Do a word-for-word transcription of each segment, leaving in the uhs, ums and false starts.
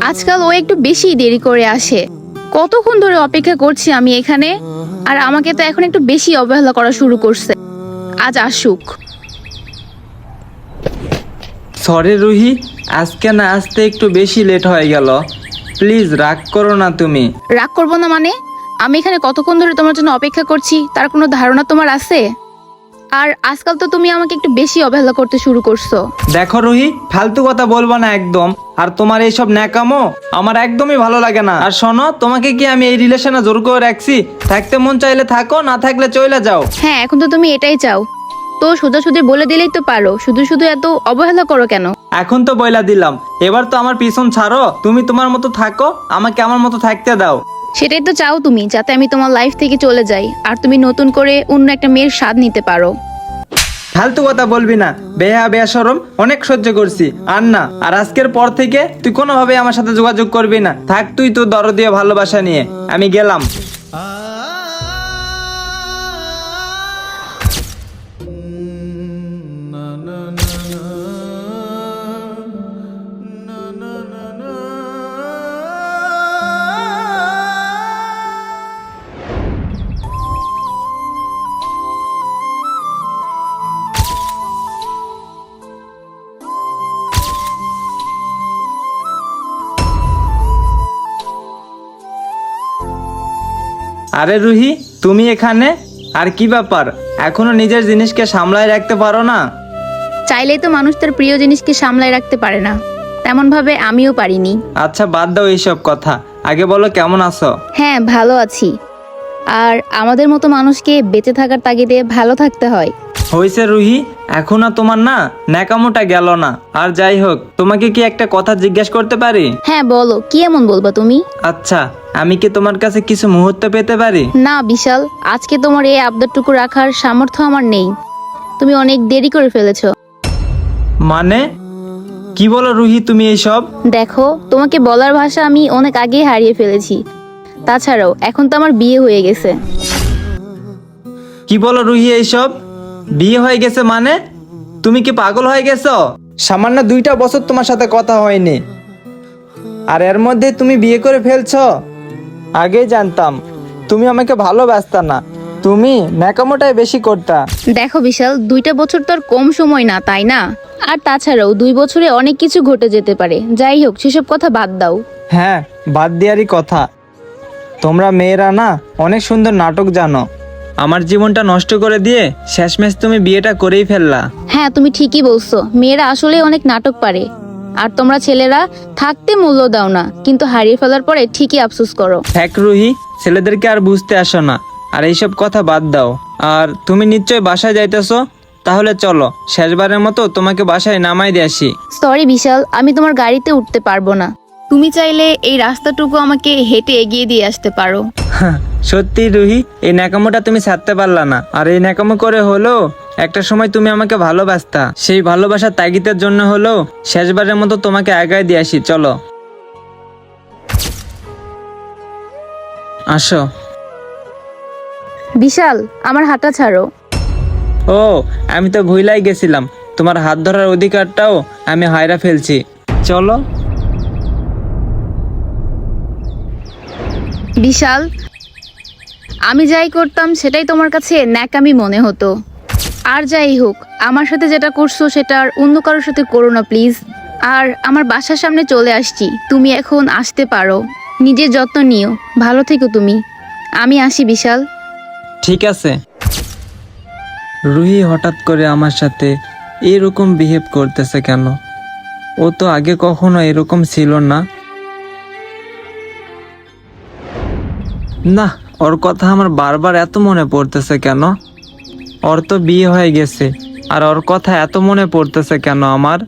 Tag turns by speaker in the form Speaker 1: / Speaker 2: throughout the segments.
Speaker 1: আজকাল ও একটু বেশি দেরি করে আসে। কতক্ষণ ধরে অপেক্ষা করছি আমি এখানে, আর আমাকে তো এখন একটু বেশি অবহেলা করা শুরু করছে। আজ আসুক।
Speaker 2: সরি রুহি, আজকে না আসতে একটু বেশি লেট হয়ে গেল, প্লিজ রাগ করো না তুমি।
Speaker 1: রাগ করবো না মানে? আমি এখানে কতক্ষণ ধরে তোমার জন্য অপেক্ষা করছি তার কোনো ধারণা তোমার আছে? আর আজকাল তো তুমি আমাকে একটু বেশি অবহেলা করতে শুরু করছো।
Speaker 2: দেখো রুহি, ফালতু কথা বলবো না একদম। আর তোমার এইসব ন্যাকামো আমার একদমই ভালো লাগে না। আর শোনো, তোমাকে কি আমি এই রিলেশনে জোর করে রাখছি? থাকতে মন চাইলে থাকো, না থাকলে চলে যাও।
Speaker 1: হ্যাঁ, এখন তো তুমি এটাই চাও, তো সোজাসুজি বলে দিলেই তো পারো, শুধু শুধু এত অবহেলা করো কেন?
Speaker 2: এখন তো বইলা দিলাম, এবার তো আমার পিছন ছাড়ো, তুমি তোমার মতো থাকো, আমাকে আমার মতো থাকতে দাও।
Speaker 1: সেটাই তো চাও তুমি, যাতে আমি তোমার লাইফ থেকে চলে যাই আর তুমি নতুন করে অন্য একটা মেয়ের স্বাদ নিতে পারো।
Speaker 2: ফালতু কথা বলবি না, বেহা বেশরম অনেক সহ্য করছি আর না। আর আজকের পর থেকে তুই কোনোভাবে আমার সাথে যোগাযোগ করবি না। থাক তুই তোর দরদীয় ভালোবাসা নিয়ে, আমি গেলাম। আরে রুহি, তুমি এখানে? আর কি ব্যাপার, এখনো নিজের জিনিসকে সামলায় রাখতে পারো না?
Speaker 1: চাইলেই তো মানুষ তার প্রিয় জিনিসকে সামলায় রাখতে পারে না, তেমন ভাবে আমিও পারিনি।
Speaker 2: আচ্ছা বাদ দাও এইসব কথা, আগে বলো কেমন আছো?
Speaker 1: হ্যাঁ, ভালো আছি। আর আমাদের মতো মানুষকে বেঁচে থাকার তাগিদে ভালো থাকতে হয়।
Speaker 2: হয়েছে রুহি, এখন আর তোমার না ন্যাকামোটা গেল না। আর যাই হোক, তোমাকে কি একটা কথা জিজ্ঞেস করতে পারি?
Speaker 1: হ্যাঁ বলো, কি এমন বলবা তুমি?
Speaker 2: আচ্ছা, আমি কি তোমার কাছে কিছু মুহূর্ত পেতে পারি?
Speaker 1: না বিশাল, আজকে তোমার এই আবদারটুকু রাখার সামর্থ্য আমার নেই। তুমি অনেক দেরি করে ফেলেছো।
Speaker 2: মানে কি বলো রুহি তুমি এইসব?
Speaker 1: দেখো, তোমাকে বলার ভাষা আমি অনেক আগেই হারিয়ে ফেলেছি। তাছাড়াও এখন তো আমার বিয়ে হয়ে গেছে।
Speaker 2: কি বলো রুহি এইসব? বিয়ে হয়ে গেছে মানে? তুমি কি পাগল হয়ে গেছো? সামান্য দুইটা বছর তোমার সাথে কথা হয়নি, আর এর মধ্যে তুমি বিয়ে করে ফেলছো? আগেই জানতাম তুমি আমাকে ভালোবাসতা না, তুমি ন্যাকামোটাই বেশি করতা।
Speaker 1: দেখো বিশাল, দুইটা বছর তো আর কম সময় না, তাই না? আর তাছাড়াও দুই বছরে অনেক কিছু ঘটে যেতে পারে। যাই হোক, সেসব কথা বাদ দাও।
Speaker 2: হ্যাঁ, বাদ দেওয়ারই কথা। তোমরা মেয়েরা না অনেক সুন্দর নাটক জানো। আমার জীবনটা নষ্ট করে দিয়ে শেষমেশ তুমি বিয়েটা করেই ফেললা।
Speaker 1: হ্যাঁ, তুমি ঠিকই বলছো, মেয়েরা আসলে অনেক নাটক পারে। আর তোমরা ছেলেরা থাকতে মূল্য দাও না, কিন্তু হারিয়ে ফেলার পরে ঠিকই আফসোস করো।
Speaker 2: এক রুহি, ছেলেদেরকে আর বুঝতে আসো না, আর এইসব কথা বাদ দাও। আর তুমি নিশ্চয় বাসায় যাইতেছো, তাহলে চলো শেষবারের মতো তোমাকে বাসায় নামাই দিয়ে আসি।
Speaker 1: সরি বিশাল, আমি তোমার গাড়িতে উঠতে পারবো না। তুমি চাইলে এই রাস্তাটুকু আমাকে হেঁটে এগিয়ে দিয়ে আসতে পারো।
Speaker 2: সত্যি রুহি, এই ন্যাকামোটা তুমি ছাড়তে পারলা না। আর এই ন্যাকামো করে হলো একটা সময় তুমি আমাকে ভালোবাসতা, সেই ভালোবাসার তাগিদের জন্য হলো শেষবারের মতো তোমাকে আগায় দিয়ে আসি। চলো আসো।
Speaker 1: বিশাল, আমার হাতটা ছাড়ো।
Speaker 2: ও, আমি তো ভুলাই গেছিলাম, তোমার হাত ধরার অধিকারটাও আমি হায়রা ফেলছি। চলো।
Speaker 1: বিশাল, আমি যাই করতাম সেটাই তোমার কাছে ন্যাকামি মনে হতো। আর যাই হোক, আমার সাথে যেটা করছো সেটা আর অন্য কারোর সাথে করো না প্লিজ। আর আমার বাসার সামনে চলে আসছি, তুমি এখন আসতে পারো। নিজের যত্ন নিও, ভালো থেকো তুমি। আমি আসি বিশাল।
Speaker 2: ঠিক আছে। রুহি হঠাৎ করে আমার সাথে এরকম বিহেভ করতেছে কেন? ও তো আগে কখনো এরকম ছিল না। না, ওর কথা আমার বারবার এত মনে পড়তেছে কেন? ওর তো বিয়ে হয়ে গেছে, আর ওর কথা এত মনে পড়তেছে কেন আমার?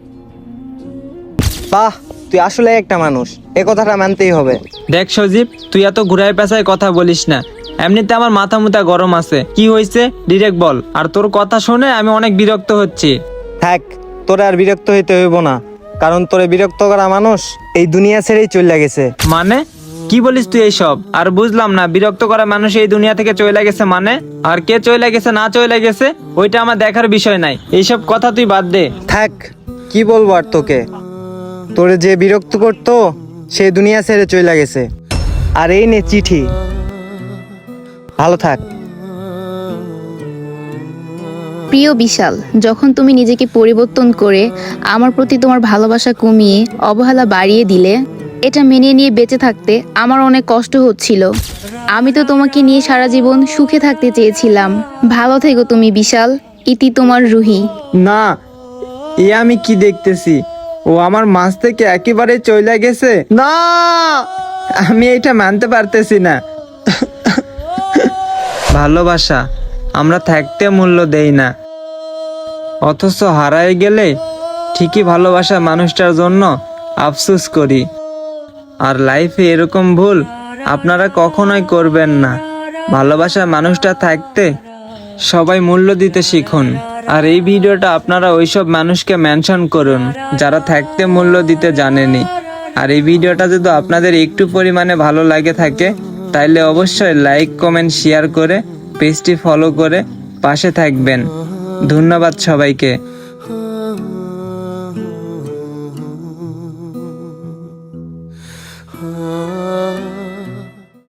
Speaker 3: বাহ, তুই আসলে একটা মানুষ, এ কথাটা মানতেই হবে।
Speaker 2: দেখ সজীব, তুই এত ঘুরায় পেঁচায় কথা বলিস না। এমনিতে আমার মাথা মুথা গরম আছে। কি হয়েছে ডিরেক্ট বল। আর তোর কথা শুনে আমি অনেক বিরক্ত হচ্ছি।
Speaker 3: থাক, তোরে আর বিরক্ত হইতে হইব না, কারণ তোরে বিরক্ত করা মানুষ এই দুনিয়া ছেড়েই চলে গেছে।
Speaker 2: মানে কি বলিস তুই এইসব? আর বুঝলাম না, বিরক্ত করা মানুষ এই দুনিয়া থেকে চলে গেছে মানে? আর কে চলে গেছে না চলে গেছে ওইটা আমার দেখার বিষয় নাই, এইসব কথা তুই বাদ দে।
Speaker 3: থাক, কি বলবো আর তোকে। তোরে যে বিরক্ত করতো সে দুনিয়া ছেড়ে চলে গেছে। আর এই নে চিঠি, ভালো থাক।
Speaker 1: প্রিয় বিশাল, যখন তুমি নিজেকে পরিবর্তন করে আমার প্রতি তোমার ভালোবাসা কমিয়ে অবহেলা বাড়িয়ে দিলে, এটা মেনে নিয়ে বেঁচে থাকতে আমার অনেক কষ্ট হচ্ছিল। আমি তো তোমাকে নিয়ে সারা জীবন সুখে থাকতে চেয়েছিলাম। ভালো থেকো তুমি বিশাল। ইতি তোমার রুহি।
Speaker 2: না, এ আমি কি দেখতেছি? ও আমার মাছ থেকে একেবারে চলে গেছে। না, আমি এটা মানতে পারতেছি না। ভালোবাসা আমরা থাকতে মূল্য দেই না, অথচ হারায় গেলে ঠিকই ভালোবাসা মানুষটার জন্য আফসোস করি। আর লাইফে এরকম ভুল আপনারা কখনোই করবেন না। ভালোবাসা মানুষটা থাকতে সবাই মূল্য দিতে শিখুন। আর এই ভিডিওটা আপনারা ওইসব মানুষকে মেনশন করুন যারা থাকতে মূল্য দিতে জানেনি। আর এই ভিডিওটা যদি আপনাদের একটু পরিমাণে ভালো লাগে থাকে, তাইলে অবশ্যই লাইক কমেন্ট শেয়ার করে পেজটি ফলো করে পাশে থাকবেন। ধন্যবাদ সবাইকে।